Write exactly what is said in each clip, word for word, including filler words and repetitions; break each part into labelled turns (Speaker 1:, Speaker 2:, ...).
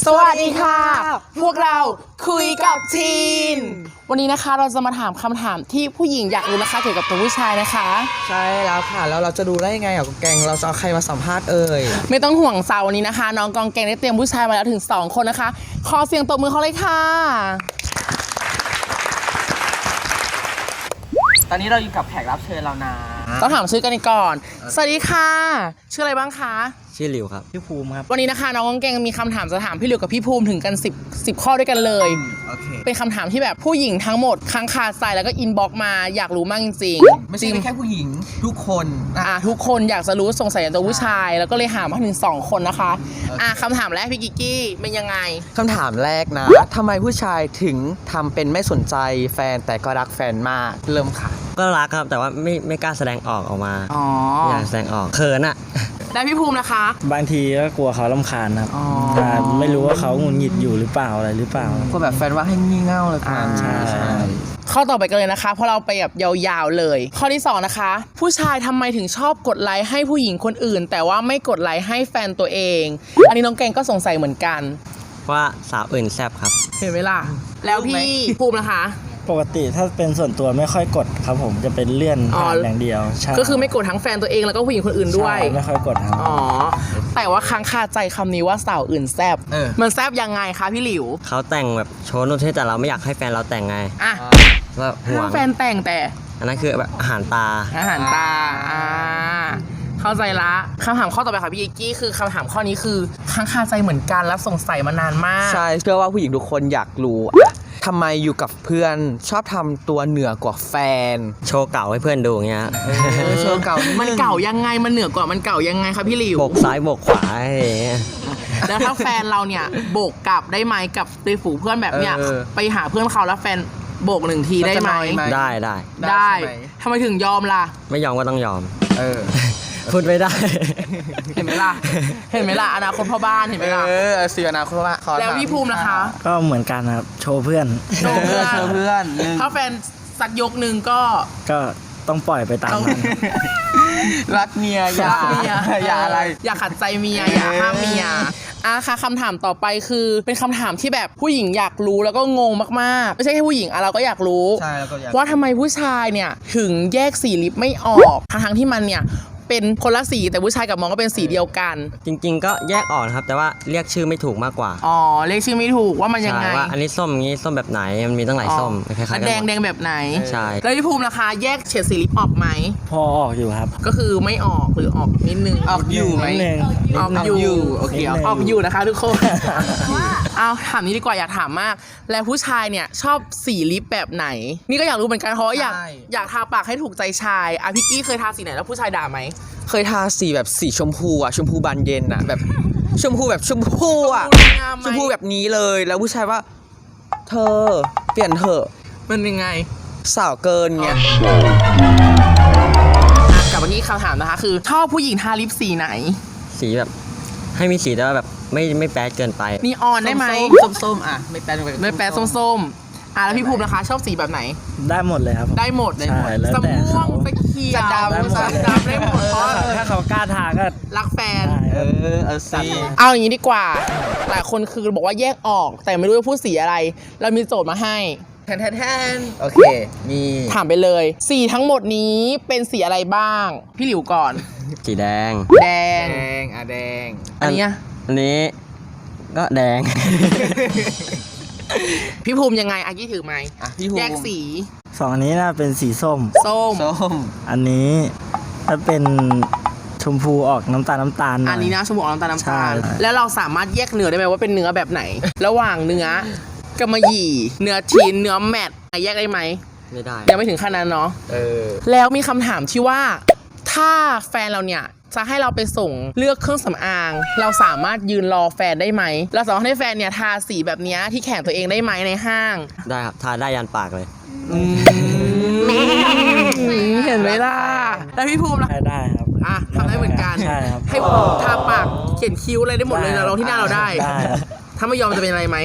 Speaker 1: สวัสดีค่ะพวกเราคุยกับทีนวันนี้นะคะเราจะมาถามคำถามที่ผู้หญิงอยากรู้นะคะเกี่ยวกับตัวผู้ชายนะคะ
Speaker 2: ใช่แล้วค่ะแล้วเราจะดูได้ยังไงอ่ะกองแกงเราจะเอาใครมาสัมภาษณ์เอ่ย
Speaker 1: ไม่ต้องห่วงสาววันนี้นะคะน้องกองแกงได้เตรียมผู้ชายมาแล้วถึงสองคนนะคะขอเสียงตบมือเขาเลยค่ะ
Speaker 2: ตอนนี้เราอยู่กับแขกรับเชิญเรานะ
Speaker 1: ต้องถามชื่อกันก่อนสวัสดีค่ะชื่ออะไรบ้างคะ
Speaker 3: ชื่อหลิวครับพี่ภูมิครับ
Speaker 1: วันนี้นะคะน้องกองแกงมีคำถามจะถามพี่หลิวกับพี่ภูมิถึงกันสิบ สิบข้อด้วยกันเลย
Speaker 2: โอเค
Speaker 1: เป็นคำถามที่แบบผู้หญิงทั้งหมดค้างคาใจแล้วก็อินบ็อกมาอยากรู้มากจริง
Speaker 2: ๆไม่ใช่แค่ผู้หญิงทุกคน
Speaker 1: อ่ะทุกคนอยากจะรู้สงสัยในตัวผู้ชายแล้วก็เลยหามาถึงสองคนนะคะอ่ะคำถามแรกพี่กิกกี้เป็นยังไง
Speaker 2: คำถามแรกนะทำไมผู้ชายถึงทำเป็นไม่สนใจแฟนแต่ก็รักแฟนมากเริ่มค่ะ
Speaker 3: ก็รักครับแต่ว่าไม่ไม่กล้าแสดงออกออกมา
Speaker 1: อ๋อ
Speaker 3: อยากแสดงออกเขินอะ
Speaker 1: ได้พี่ภูมินะคะ
Speaker 4: บางทีก็กลัวเขารำคาญครับไม่รู้ว่าเขาหงุดหงิดอยู่หรือเปล่าอะไรหรือเปล่าก
Speaker 2: ลัวแบบแฟนว่าให้งี่เง่าเลยกัน
Speaker 4: ใช่
Speaker 1: ข้อต่อไปกันเลยนะคะเพราะเราไปแบบยาวๆเลยข้อที่สองนะคะผู้ชายทำไมถึงชอบกดไลค์ให้ผู้หญิงคนอื่นแต่ว่าไม่กดไลค์ให้แฟนตัวเองอันนี้น้องแกงก็สงสัยเหมือนกัน
Speaker 3: ว่าสาวอื่นแซ่บครับ
Speaker 1: เห็นไหมล่ะแล้วพี่ภูมินะคะ
Speaker 4: ปกติถ้าเป็นส่วนตัวไม่ค่อยกดครับผมจะเป็นเลื่อนผ่านอย่างเดียวใช่
Speaker 1: ก็คือไม่กดทั้งแฟนตัวเองแล้วก็ผู้หญิงคนอื่นด้วย
Speaker 4: ไม่ค่อยกดครับ
Speaker 1: อ๋อแต่ว่าค้างคาใจคำนี้ว่าสาวอื่นแซบมันแซบยังไงคะพี่หลิว
Speaker 3: เขาแต่งแบบโชว์นู่นที่แต่เราไม่อยากให้แฟนเราแต่งไง
Speaker 1: อ่ะ
Speaker 3: ว่าห่วง
Speaker 1: แฟนแต่งแต่
Speaker 3: อันนั้นคือแบบอาหารตา
Speaker 1: อาหารตาอ่าเข้าใจละคำถามข้อต่อไปค่ะพี่กิกกี้คือคำถามข้อนี้คือค้างคาใจเหมือนกันและสงสัยมานานมาก
Speaker 2: ใช่เชื่อว่าผู้หญิงทุกคนอยากรู้ทำไมอยู่กับเพื่อนชอบทำตัวเหนือกว่าแฟน
Speaker 3: โชว์เก่าให้เพื่อนดูอย่างเงี้ย
Speaker 2: โชว์เก่า
Speaker 1: มันเก่ายังไงมันเหนือกว่ามันเก่ายังไงครับพี่หลิว
Speaker 3: โบกซ้ายโบกขวา
Speaker 1: แล้วถ้าแฟนเราเนี่ยโบกกลับได้ไหมกับในฝูงเพื่อนแบบเนี้ยไปหาเพื่อนเขาแล้วแฟนโบกหนึ่งทีได้ไหม
Speaker 3: ได้ได้
Speaker 1: ได้ทำไมถึงยอมล่ะ
Speaker 3: ไม่ยอมก็ต้องยอม
Speaker 2: เออ
Speaker 3: พูดไม่ได้
Speaker 1: เห็นไหมล่ะเห็นไหมล่ะอนาคตพ่อบ้านเห็นไหมล่ะ
Speaker 2: เออเสียอนาคตพ่อบ้าน
Speaker 1: แล้วพี่ภูมินะคะ
Speaker 4: ก็เหมือนกันครับโชว์เพื่อน
Speaker 1: โชว์เพื่อน
Speaker 2: โชว์เพื่อน
Speaker 1: ถ้าแฟนสักยกหนึ่งก็
Speaker 4: ก็ต้องปล่อยไปตามนั้น
Speaker 2: รักเมียอย่าอย่าอะไร
Speaker 1: อย่าขัดใจเมียอย่าห้ามเมียอ่ะค่ะคำถามต่อไปคือเป็นคำถามที่แบบผู้หญิงอยากรู้แล้วก็งงมากๆไม่ใช่แค่ผู้หญิงอ่ะเราก็อยากรู้ว่าทำไมผู้ชายเนี่ยถึงแยกสีลิปไม่ออกทั้งๆที่มันเนี่ยเป็นคนละสีแต่ผู้ชายกับมองก็เป็นสีเดียวกัน
Speaker 3: จริงๆก็แยกออกนะครับแต่ว่าเรียกชื่อไม่ถูกมากกว่า
Speaker 1: อ๋อเรียกชื่อไม่ถูกว่ามันยังไง
Speaker 3: ว่าอันนี้ส้มอย่างนี้ส้มแบบไหนมันมีตั้งหลายส้มคล้ายๆกัน
Speaker 1: แดงแดงแบบไหน
Speaker 3: ใช่
Speaker 1: แล้วพี่ภูมินะคะแยกเฉดสีลิปออกไหม
Speaker 4: พอออกอยู่ครับ
Speaker 1: ก็คือไม่ออกหรือออกนิดนึง
Speaker 2: ออกอยู่ไหม
Speaker 1: ออกอยู่โอเคออกอยู่นะคะทุกคนเอาถามนี้ดีกว่าอยากถามมากแล้วผู้ชายเนี่ยชอบสีลิปแบบไหนนี่ก็อยากรู้เหมือนกันเพราะอยากอยากทาปากให้ถูกใจชายอ่ะพี่กี้เคยทาสีไหนแล้วผู้ชายด่าไหม
Speaker 2: เคยทาสีแบบสีชมพูอ่ะชมพูบานเย็นอ่ะแบบชมพูแบบชมพูอ่ะชมพูแบบนี้เลยแล้วผู้ชายว่าเธอเปลี่ยนเถอะ
Speaker 1: มันยังไง
Speaker 2: สาวเกินเงี้ย
Speaker 1: กลับมาที่คำถามนะคะคือชอบผู้หญิงทาลิปสีไหน
Speaker 3: สีแบบให้มีสีแต่ว่าแบบไม่ไม่แป๊ดเกินไป
Speaker 1: นีออนได้ไหม
Speaker 2: ส้มๆอ่ะไม่แป๊ด
Speaker 1: ไม่แป๊ดส้มๆอ่ะแล้วพี่ภูมินะคะชอบสีแบบไหน
Speaker 4: ได้หมดเลยครับ
Speaker 1: ได้หมดเลยสม่วงตะเคียนดำดำได้หมดเพราะ
Speaker 4: ถ้าเขากล้าทาก็
Speaker 1: รักแฟน
Speaker 2: เออเอาสี
Speaker 1: เอาอย่างนี้ดีกว่าหลายคนคือบอกว่าแยกออกแต่ไม่รู้ว่าพูดสีอะไรเรามีโจทย์มาให้
Speaker 2: แทนแทนแทนโอเคมี
Speaker 1: ถามไปเลยสีทั้งหมดนี้เป็นสีอะไรบ้างพี่หลิวก่อน
Speaker 3: สีแดง
Speaker 1: แดง
Speaker 2: แดงอ่ะแดง
Speaker 1: อันนี้
Speaker 3: อันนี้ก็แดง
Speaker 1: พี่ภูมิยังไงอากี้ถือไหมแยกสี
Speaker 4: สองอันนี้น่าเป็นสีส้ม
Speaker 1: ส้ม
Speaker 2: ส้ม
Speaker 4: อันนี้ถ้าเป็นชมพูออกน้ำตาลน้ำตาล
Speaker 1: อันนี้นะชมพูออกน้ำตาลน้ำตาลแล้วเราสามารถแยกเนื้อได้ไหมว่าเป็นเนื้อแบบไหนระหว่างเนื้อกำมะหยี่เนื้อทีนเนื้อแมทแยกได้ไหม
Speaker 3: ไม่ได้
Speaker 1: ยังไม่ถึงขั้นนั้นเนาะเออแล้วมีคำถามที่ว่าถ้าแฟนเราเนี่ยจะให้เราไปส่งเลือกเครื่องสำอางเราสามารถยืนรอแฟนได้ไหมเราสามารถให้แฟนเนี่ยทาสีแบบนี้ที่แขนตัวเองได้ไหมในห้าง
Speaker 3: ได้ครับทาได้ยันปากเลย
Speaker 1: เห็นไหมล่ะแล้วพี่ภูมิล่ะ
Speaker 4: ได้ครับ
Speaker 1: อ่ะทำได้เหมือนกัน
Speaker 4: ใช่ครับ
Speaker 1: ให้ทาปากเขียนคิ้วอะไรได้หมดเลยเราที่หน้าเราได้ถ้าไม่ยอมจะเป็นอะไรไหม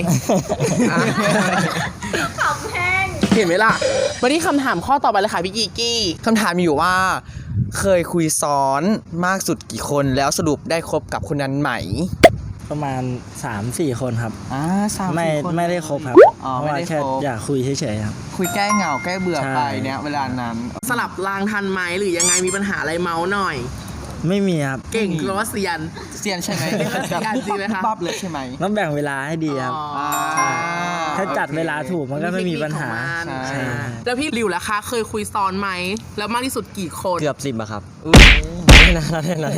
Speaker 5: ขำแห้ง
Speaker 1: เห็นไหมล่ะมาที่คำถามข้อต่อไปเลยค่ะพี่กิกกี้
Speaker 2: คำถามมีอยู่ว่าเคยคุยซ้อนมากสุดกี่คนแล้วสรุปได้คบกับคนนั้นไหม
Speaker 4: ประมาณ สามสี่ คนครับ
Speaker 2: อ่าสาม
Speaker 4: ไม่
Speaker 2: สี่คน
Speaker 4: ไม่ได้ครบครับ
Speaker 2: อ๋อ
Speaker 4: เพราะ
Speaker 2: ไม่
Speaker 4: ว่า
Speaker 2: ได้
Speaker 4: แค่
Speaker 2: ครบ
Speaker 4: อยากคุยเฉยๆครับ
Speaker 2: คุยแก้เหงาแก้เบื่อ
Speaker 4: ใช่
Speaker 2: ไปเนี่ยเวลานั้น
Speaker 1: สลับรางทันไหมหรือยังไงมีปัญหาอะไรเมาส์หน่อย
Speaker 4: ไม่มีครับ
Speaker 1: เก่งหรือว่าเซียน
Speaker 2: เซียนใช่ไหม
Speaker 1: เซียนจริงไหมคะ
Speaker 2: บับเลยใช่ไหม
Speaker 4: ต้องแบ่งเวลาให้ดีครับ
Speaker 1: อ๋อ
Speaker 4: ถ้าจัดเวลาถูกมันก็ไม่มีปัญหา
Speaker 1: เทคนิคของมัน
Speaker 2: ใช่
Speaker 1: แล้วพี่ริวล่ะคะเคยคุยซ้อนไหมแล้วมากที่สุดกี่คน
Speaker 3: เกือบสิบอะครับไม่นานแล้วเนี่ยนะ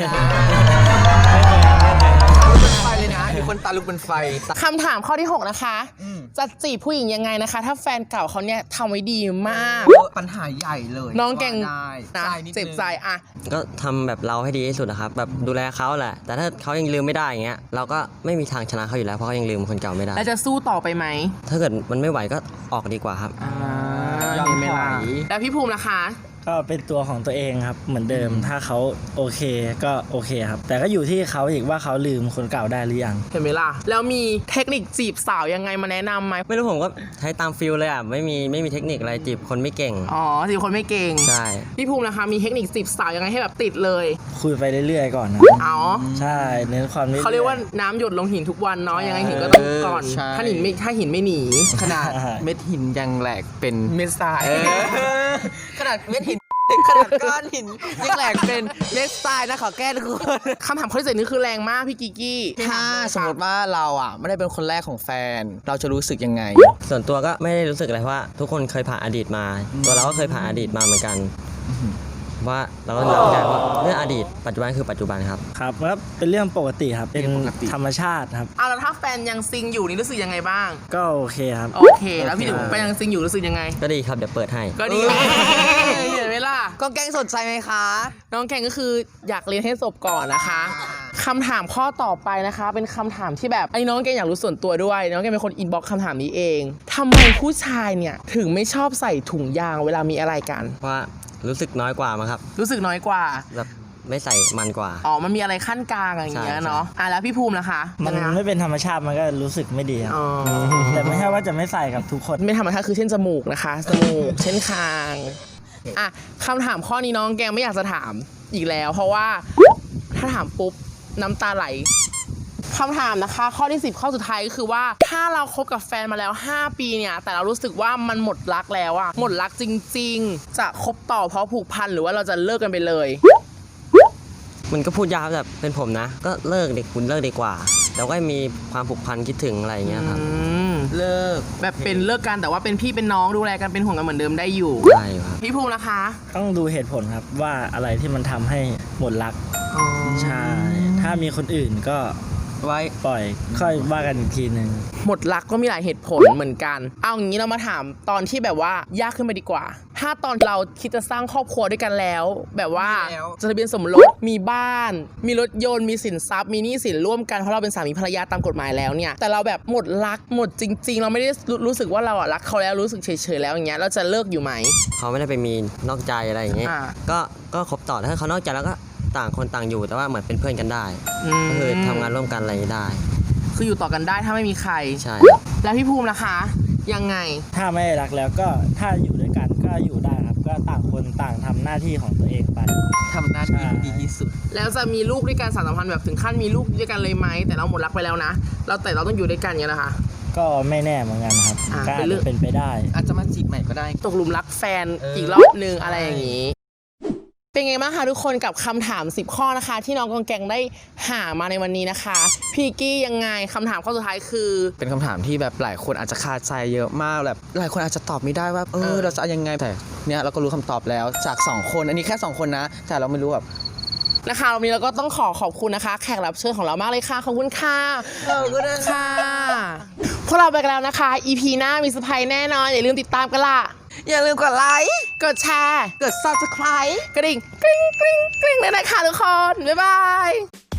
Speaker 2: เป็นไฟเลยนะมีคนตาลุกเป็นไฟ
Speaker 1: คำถามข้อที่หกนะคะ
Speaker 2: อืม
Speaker 1: จะจีบผู้หญิงยังไงนะคะ ถ้าแฟนเก่าเขาเนี่ยทำไว้ดีมาก
Speaker 2: ปัญหาใหญ่เลย
Speaker 1: น้องเก่ง
Speaker 2: ว่าได้
Speaker 1: นะ
Speaker 2: ใช่นิดนึง
Speaker 1: เจ็บใจอะ
Speaker 3: ก็ทำแบบเราให้ดีที่สุดนะครับแบบดูแลเขาแหละ แต่ถ้าเขายังลืมไม่ได้อย่างเงี้ยเราก็ไม่มีทางชนะเขาอยู่แล้วเพราะเขายังลืมคนเก่าไม่ได้
Speaker 1: แล้วจะสู้ต่อไปไหม
Speaker 3: ถ้าเกิดมันไม่ไหวก็ออกดีกว่าครับ
Speaker 1: อ่าย
Speaker 2: อม
Speaker 1: เห็นไหมล่ะ
Speaker 2: ถอย
Speaker 1: แล้วพี่ภูมิล่ะคะ
Speaker 4: ก็เป็นตัวของตัวเองครับ เหมือนเดิม ถ้าเขาโอเคก็โอเคครับ แต่ก็อยู่ที่เขาอีกว่าเขาลืมคนเก่าได้หรือยัง
Speaker 1: เห็นไหมล่ะ แล้วมีเทคนิคจีบสาวยังไงมาแนะนำไหม
Speaker 3: ไม่รู้ผมก็ใช้ตามฟิลเลยอ่ะไม่มีไม่มีเทคนิคอะไรจีบคนไม่เก่ง
Speaker 1: อ๋อจีบคนไม่เก่ง
Speaker 3: ใช่
Speaker 1: พี่ภูมิล่ะคะมีเทคนิคจีบสาวยังไงให้แบบติดเลย
Speaker 4: คุยไปเรื่อยๆก่อนนะ
Speaker 1: อ๋อ
Speaker 4: ใช่เน้นความ
Speaker 1: เขาเรียกว่าน้ำหยดลงหินทุกวันเนาะยังไงหินก็ต้องก่อน
Speaker 2: ใช่
Speaker 1: ถ้าหินไม่ถ้าหินไม่หนี
Speaker 2: ขนาดเม็ดหินยังแหลกเป็น
Speaker 1: เม็ดทราย
Speaker 2: ขนาดเม็ดหินขนาดก้อนหินยังแหลกเป็นเม็ดทรายนะขอแก้ทุกคน
Speaker 1: คำถามข้อที่เจ็ดนี่คือแรงมากพี่กิกกี้
Speaker 2: ถ้าสมมติว่าเราอ่ะไม่ได้เป็นคนแรกของแฟน เราจะรู้สึกยังไง
Speaker 3: ส่วนตัวก็ไม่ได้รู้สึกอะไรเพราะว่าทุกคนเคยผ่านอดีตมา ตัวเราก็เคยผ่านอดีตมาเหมือนกันว่าเราก็รับไม่ได้ว่าเรื่องอดีตปัจจุบันคือปัจจุบันครับ
Speaker 4: ครับก็เป็นเรื่องปกติครับ เป็น
Speaker 2: เรื่องปกติ
Speaker 4: ธรรมชาติครับ
Speaker 1: เอาแล้วถ้าแฟนยังซิงอยู่นี่รู้สึกยังไงบ้าง
Speaker 4: ก็โอเคครับ
Speaker 1: โอเค แล้วพี่ถึงแฟนยังซิงอยู่รู้สึกยังไง
Speaker 3: ก็ดีครับเดี๋ยวเปิดให้
Speaker 1: ก็ดีเห็นไหมล่ะ
Speaker 2: ก็แกล้งสนใจไหมคะ
Speaker 1: น้องแกงก็คืออยากเรียนให้จบก่อนนะคะคำถามข้อต่อไปนะคะ เป็นคำถามที่แบบไอ้น้องแกงอยากรู้ส่วนตัวด้วย น้องแกงเป็นคนอินบ็อกซ์คำถามนี้เองทำไมผู้ชายเนี่ยถึงไม่ชอบใส่ถุงยางเวลามีอะไรกัน
Speaker 3: เพราะว่ารู้สึกน้อยกว่ามั้งครับ
Speaker 1: รู้สึกน้อยกว่า
Speaker 3: แบบไม่ใส่มันกว่า
Speaker 1: อ๋อ มันมีอะไรขั้นกลางอย่างเงี้ย
Speaker 3: ใช่
Speaker 1: เนาะ อ่ะแล้วพี่ภูมิล่ะคะ
Speaker 4: มัน
Speaker 1: ยังไงคะ
Speaker 4: ไม่เป็นธรรมชาติมันก็รู้สึกไม่ดีครับ
Speaker 1: อ๋อ
Speaker 4: แต่ไม่ใช่ว่าจะไม่ใส่กับทุกคน
Speaker 1: ไม่ธรรมชาติคือเช่นจมูกนะคะจมูก เช่นคาง อ่ะคำถามข้อนี้น้องแกงไม่อยากจะถามอีกแล้ว เพราะว่าถ้าถามปุ๊บน้ำตาไหลคำถามนะคะ ข้อที่สิบข้อสุดท้ายก็คือว่าถ้าเราคบกับแฟนมาแล้วห้าปีเนี่ยแต่เรารู้สึกว่ามันหมดรักแล้วอะหมดรักจริง ๆ จะคบต่อเพราะผูกพันหรือว่าเราจะเลิกกันไปเลย
Speaker 3: มันก็พูดยากครับแบบเป็นผมนะ ก็เลิกดีคุณเลิกดีกว่าแต่ก็มีความผูกพันคิดถึงอะไรอย่างเงี้ยครับ
Speaker 1: อืม
Speaker 2: เลิก
Speaker 1: แบบเป็นเลิกกันแต่ว่าเป็นพี่เป็นน้องดูแลกันเป็นห่วงกันเหมือนเดิมได้อยู่
Speaker 3: ได้อยู่ครับ
Speaker 1: พี่ภูมินะคะ
Speaker 4: ต้องดูเหตุผลครับว่าอะไรที่มันทำให้หมดรัก
Speaker 1: อ๋อ
Speaker 4: ใช่ ถ้ามีคนอื่นก็
Speaker 2: ไว้
Speaker 4: ปล่อยค่อยว่ากันอีกทีหนึ่ง
Speaker 1: หมดรักก็มีหลายเหตุผลเหมือนกัน เอาอย่างนี้เรามาถามตอนที่แบบว่ายากขึ้นไปดีกว่า ถ้าตอนเราคิดจะสร้างครอบครัวด้วยกันแล้ว แบบว่า
Speaker 2: มีแล้ว
Speaker 1: จดทะเบียนสมรสมีบ้าน มีรถยนต์มีสินทรัพย์มีหนี้สินร่วมกันเพราะเราเป็นสามีภรรยาตามกฎหมายแล้วเนี่ยแต่เราแบบหมดรักหมดจริง ๆ เราไม่ได้รู้รู้สึกว่าเราอะรักเขาแล้วรู้สึกเฉยๆแล้วอย่างเงี้ยเราจะเลิกอยู่ไหม
Speaker 3: เขาไม่ได้ไปมีนอกใจอะไรอย่างเงี้ย
Speaker 1: อ่า
Speaker 3: ก็ก็คบต่อถ้าเขานอกใจแล้วก็ต่างคนต่างอยู่แต่ว่าเหมือนเป็นเพื่อนกันได้
Speaker 1: ม
Speaker 3: ก็คือทำงานร่วมกันอะไรอย่างงี้ได้
Speaker 1: คืออยู่ต่อกันได้ถ้าไม่มีใคร
Speaker 3: ใช่
Speaker 1: แล้วพี่ภูมิล่ะคะ ยังไง
Speaker 4: ถ้าไม่รักแล้วก็ถ้าอยู่ด้วยกันก็อยู่ได้ครับ ก็ต่างคนต่างทำหน้าที่ของตัวเองไป
Speaker 2: ทำหน้าที่
Speaker 4: ใช่
Speaker 2: ดีที่สุด
Speaker 1: แล้วจะมีลูกด้วยกันสารสัมพันธ์แบบถึงขั้นมีลูกด้วยกันเลยไหมแต่เราหมดรักไปแล้วนะ เราแต่เราต้องอยู่ด้วยกันอย่างเงี้ยนะคะ
Speaker 4: ก็ไม่แน่เหมือนกันครับ
Speaker 1: อ่า
Speaker 4: ก็
Speaker 1: เป็
Speaker 4: อาจ
Speaker 1: นเรื่อ
Speaker 4: จะ
Speaker 1: ง
Speaker 4: เป็นไปได้
Speaker 2: อาจจะมาจีบใหม่ก็ได้
Speaker 1: ตกหลุมรักแฟน
Speaker 2: เอออี
Speaker 1: อีกรอบนึงอะไร
Speaker 2: ใช่
Speaker 1: อย่างนี้ เป็นไงบ้างคะทุกคนกับคำถามสิบข้อนะคะ ที่น้องกองแกงได้หามาในวันนี้นะคะ พี่กี้ยังไงคำถามข้อสุดท้ายคือ
Speaker 2: เป็นคำถามที่แบบหลายคนอาจจะคาใจเยอะมากแบบหลายคนอาจจะตอบไม่ได้ว่าเอ
Speaker 1: เอ
Speaker 2: อ
Speaker 1: อ
Speaker 2: เราจะเอายังไงแต่เนี่ยเราก็รู้คำตอบแล้วจากสองคนอันนี้แค่สองคนนะ แต่เราไม่รู้แบบ
Speaker 1: นะคะวันนี้เราก็ต้องขอขอบคุณนะคะ แขกรับเชิญของเรามากเลยค่ะขอบคุณค่ะ
Speaker 2: เออก็ได้
Speaker 1: ค่ะพวกเราไปกันแล้วนะคะ อี พี หน้ามีเซอร์ไพรส์แน่นอนอย่าลืมติดตามกันล่ะ
Speaker 2: อย่าลืมกดไลค์
Speaker 1: กดแชร์
Speaker 2: กด ซับสไครบ์
Speaker 1: กระดิ่งกริ๊งกริ๊งกริ๊งเลยนะคะทุกคน บ๊ายบาย